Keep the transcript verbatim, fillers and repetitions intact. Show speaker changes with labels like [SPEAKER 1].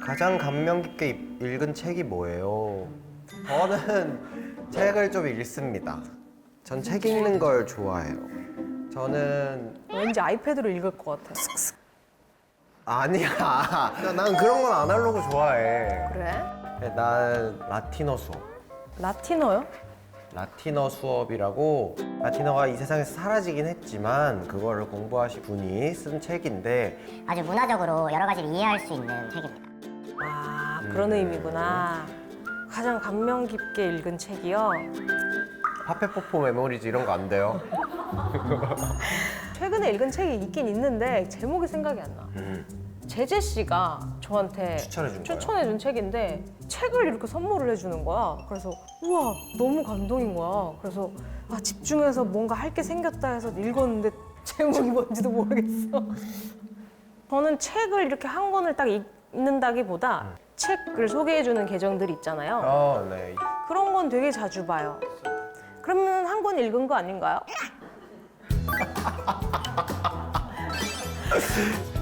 [SPEAKER 1] 가장 감명 깊게 읽- 읽은 책이 뭐예요? 저는 책을 좀 읽습니다. 전 책 읽는 걸 좋아해요. 저는
[SPEAKER 2] 왠지 아이패드로 읽을 것 같아.
[SPEAKER 1] 아니야. 난 그런 건 아날로그 좋아해.
[SPEAKER 2] 그래?
[SPEAKER 1] 난 라틴어 수업.
[SPEAKER 2] 라틴어요?
[SPEAKER 1] 라틴어 수업이라고 라틴어가 이 세상에서 사라지긴 했지만 그거를 공부하신 분이 쓴 책인데
[SPEAKER 3] 아주 문화적으로 여러 가지를 이해할 수 있는 책입니다.
[SPEAKER 2] 아, 그런
[SPEAKER 1] 음.
[SPEAKER 2] 의미구나. 가장 감명 깊게 읽은 책이요.
[SPEAKER 1] 파페포포 메모리즈 이런 거 안 돼요?
[SPEAKER 2] 최근에 읽은 책이 있긴 있는데 제목이 생각이 안 나.
[SPEAKER 1] 음.
[SPEAKER 2] 제재 씨가 저한테
[SPEAKER 1] 추천해준 거예요?
[SPEAKER 2] 추천해준 책인데 책을 이렇게 선물을 해주는 거야. 그래서 우와 너무 감동인 거야. 그래서 아, 집중해서 뭔가 할 게 생겼다 해서 읽었는데 제목이 뭔지도 모르겠어. 저는 책을 이렇게 한 권을 딱 읽는다기보다 책을 소개해주는 계정들 있잖아요.
[SPEAKER 1] 어, 네.
[SPEAKER 2] 그런 건 되게 자주 봐요. 그러면 한 권 읽은 거 아닌가요?